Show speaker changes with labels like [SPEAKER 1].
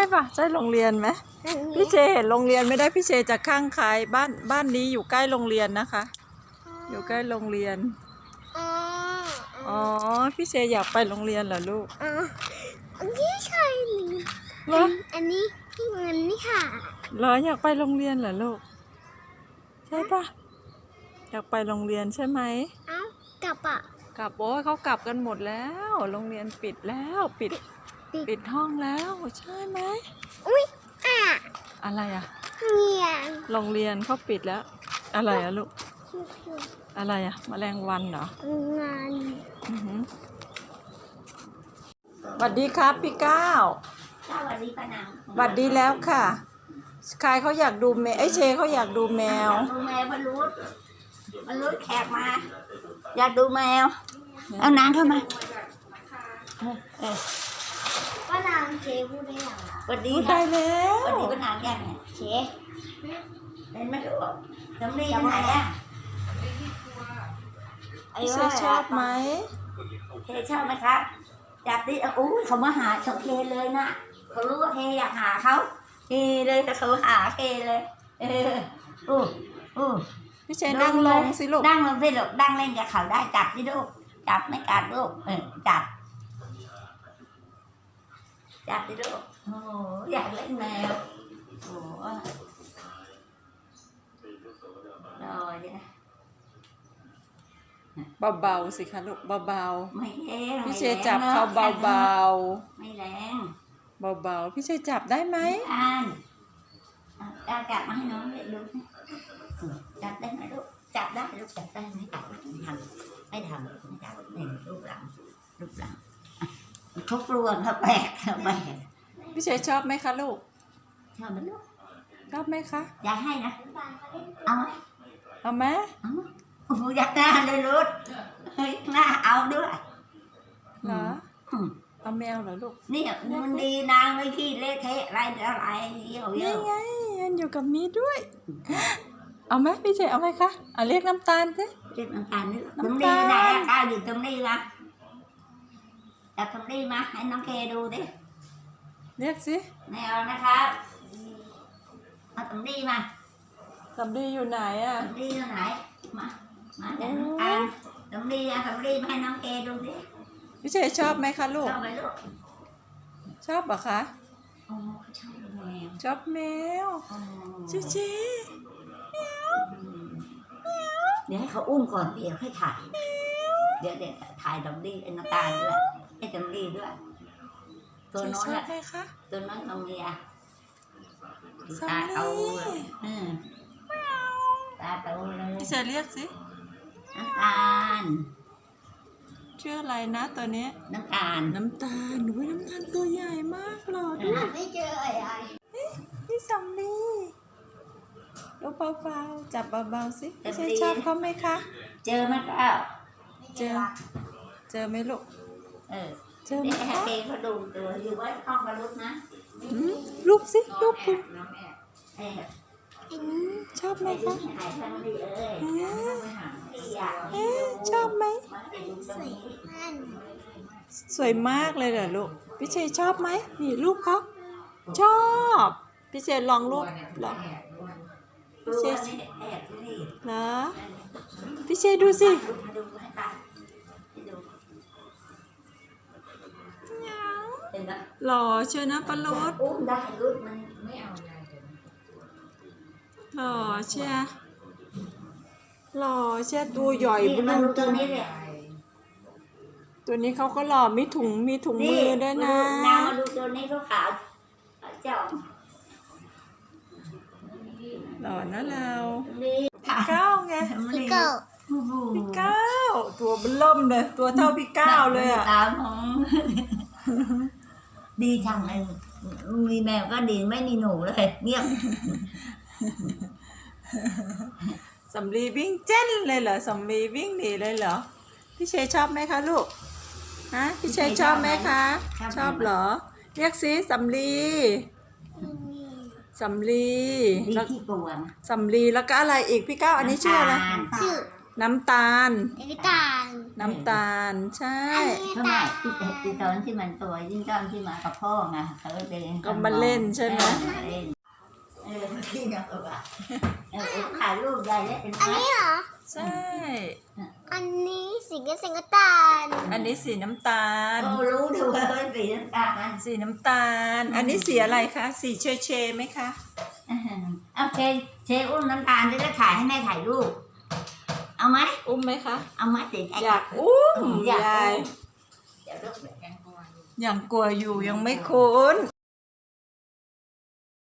[SPEAKER 1] ปะใช่โรงเรียนไหมพี่เชเห็นโรงเรียนไม่ได้พี่เชจะข้างใครบ้านนี้อยู่ใกล้โรงเรียนนะคะอยู่ใกล้โรงเรียนอ๋อพี่เชอยากไปโรงเรียนเหรอลูก
[SPEAKER 2] อันนี้ใช่หรืออันนี้ที่มันนี่ค่ะ
[SPEAKER 1] เหรออยากไปโรงเรียนเหรอลูกใช่ปะอยากไปโรงเรียนใช่ไหม
[SPEAKER 2] กลับอ่ะ
[SPEAKER 1] กลับโอ้ยเขากลับกันหมดแล้วโรงเรียนปิดแล้วปิดห้องแล้วใช่ไหม
[SPEAKER 2] อุ้ย
[SPEAKER 1] อะไรอะ
[SPEAKER 2] เรียน
[SPEAKER 1] โรงเรียนเขาปิดแล้วอะไรอะลูกอะไรอะแมลงวันเหรอง
[SPEAKER 2] าน
[SPEAKER 1] สวัสดีครับพี่ก้าว
[SPEAKER 2] สวัสดีป้านาง
[SPEAKER 1] สวัสดีแล้วค่ะใครเขาอยากดูแมวเชเขาอยากดูแมว
[SPEAKER 2] ดูแมวบรรลุแขกมาอยากดูแมวเอานางเข้ามาป้านางเชพูดได้ยัง
[SPEAKER 1] สวัสดีได้แล้ว
[SPEAKER 2] สวัสดีป้านางยังเชเป็นไม่รู้จำรียังไงอ่ะ
[SPEAKER 1] เชชอบไหม
[SPEAKER 2] เชชอบไหมครับจับดิอู้เขามาหาเขาเคเลยนะเขารู้ว่าเคอยากหาเขาเคเลยแต่เขาหาเคเลย
[SPEAKER 1] พี่เชนั่งลงสิลูก
[SPEAKER 2] นั่งลงสิลูกนั่งเล่นกับเขาได้จับสิลูกจับไม่กัดลูกจับสิลูกโอ้อยากเล่นแมวโอ้ยเนี่ย
[SPEAKER 1] เบาๆสิคะลูกเบา
[SPEAKER 2] ๆไม่แรง
[SPEAKER 1] พี่เชจับเขาเบา
[SPEAKER 2] ๆไม่แรง
[SPEAKER 1] เบาๆพี่เชจับได้ไหม
[SPEAKER 2] จับมาให้น้องดูจับได้ไหมลูกจับได้ลูกจับได้ไหมจับไม่ทำนี่ลูกหลังเขากลัวเขาแปลก
[SPEAKER 1] พี่เชชอบไหมคะลูก
[SPEAKER 2] ชอบไหมลูก
[SPEAKER 1] ชอบไหมคะ
[SPEAKER 2] อยากให้นะเอาไหมโอ้อยากหน้าเลยลูกหน้าเอาด้วย
[SPEAKER 1] เหรอเอาแมวเหรอลูก
[SPEAKER 2] นี่มันดีนางไม่ขี้เละเทะอะไร
[SPEAKER 1] นี่ไงมันอยู่กับมีด้วยเอาไหมพี่เชเอาไหมคะเรียกน้ำตาลสิ
[SPEAKER 2] เรียกน้ำตาลนี่ตรงนี้ไหนก้าวอยู่ตรงนี้วะจับตรงนี้มาให้น้องเคดูดิ
[SPEAKER 1] เรียกสิ
[SPEAKER 2] ไม่เอานะครับเอาตรงนี้มา
[SPEAKER 1] สำลีอยู่ไหนอ่ะ
[SPEAKER 2] สำลีอยู่ไหนมาจับน้ำตาลตรงนี้มาให้น้องเคดูดิ
[SPEAKER 1] พี่เชชอบไหมคะลูก
[SPEAKER 2] ชอบไหมลูก
[SPEAKER 1] ชอบเหรอคะ
[SPEAKER 2] ชอบแมว
[SPEAKER 1] ชอบแมวเช
[SPEAKER 2] เดี๋ยวให้เขาอุ้มก่อนเดี๋ยวให้ถ่ายเดี๋ยวถ่ายดอกดี้น้ำตาลด้วยให้ดอกดี้ด้วยตัวน้อยตัวน้อยตัวเมียตาโตเลยตาโตเลย
[SPEAKER 1] พี่เชเรียกสิ
[SPEAKER 2] น้ำตาล
[SPEAKER 1] ชื่ออะไรนะตัวนี้
[SPEAKER 2] น้ำตาล
[SPEAKER 1] น้ำตาลตัวใหญ่มากหรอดู
[SPEAKER 2] ไม่เจออะไร
[SPEAKER 1] นี่สำลีดูเบาๆจับเบาๆสิพี่เชชอบเขาไหมคะ
[SPEAKER 2] เจอไหมก้าว
[SPEAKER 1] เจอไหมลูกเจอไหม
[SPEAKER 2] คะเขาดูตัวอยู่ว่าห้องกับลูกนะ
[SPEAKER 1] ลูกสิลูกชอบไหมคะชอบไหมสวยมากเลยเหรอลูกพี่เชชอบไหมนี่รูปเขาชอบพี่เชลองรูปหรอพี่เชนะพี่เชดูสิหล่อเชียวนะปลด
[SPEAKER 2] ได้รูปมันไม่เอา
[SPEAKER 1] หล่อเชียตัวใหญ่บุญตัวนี้เขาก็หล่อมีถุงมือด้วยนะ
[SPEAKER 2] น้ำมาดูตัวนี้เขาขาวเจ้า
[SPEAKER 1] หล่อนะเราพี่ก้าวไงพี่ก้าวตัวเบิ่มเลยตัวเท่าพี่ก้าวเลยอ่ะ
[SPEAKER 2] ตามของดีจังเลยมีแมวก็ดีไม่มีหนูเลยเงียบ
[SPEAKER 1] สำลีวิ่งเจ้นเลยเหรอสำลีวิ่งหนีเลยเหรอพี่เชชอบไหมคะลูกพี่เชชอบไหมคะชอบเหรอเรียกสิสำลีสำลีแล้วก็อะไรอีกพี่ก้าวอันนี้ชื่ออะไรน้ำตาล
[SPEAKER 3] น้ำตาล
[SPEAKER 1] น้ำตาล ใช่
[SPEAKER 2] ทำไมที่ตอนที่มันตัวยิ่งตอนที่มากับพ่อไงเขาก็เดิน
[SPEAKER 1] ก็มาเล่นใช่ไหม
[SPEAKER 2] เล่นเมื่อกี้เนี่ยก็ว่าถ่ายรูปใหญ่แล้วเป็นไหม
[SPEAKER 3] อันนี้เหรอ
[SPEAKER 1] ใช่
[SPEAKER 3] อันนี้สีน้ำตาล
[SPEAKER 1] อันนี้สีน้ำตาล
[SPEAKER 2] โอ้รู้ดูว่าเป็นสีน้ำตาล
[SPEAKER 1] สีน้ำตาล อันนี้สีอะไรคะ สีเชเชไหมคะ
[SPEAKER 2] เอาเชอุ้มน้ำตาลจะได้ถ่ายให้แม่ถ่ายรูปเอาไหม
[SPEAKER 1] อุ้มไหมคะ
[SPEAKER 2] เอาไหมเด็ก
[SPEAKER 1] อยากอุ้ม
[SPEAKER 2] อยาก
[SPEAKER 1] ยาย
[SPEAKER 2] เดี๋ยวลูกเดี๋ยวแกงกลัว
[SPEAKER 1] ยังกลัวอยู่ยังไม่คุ้น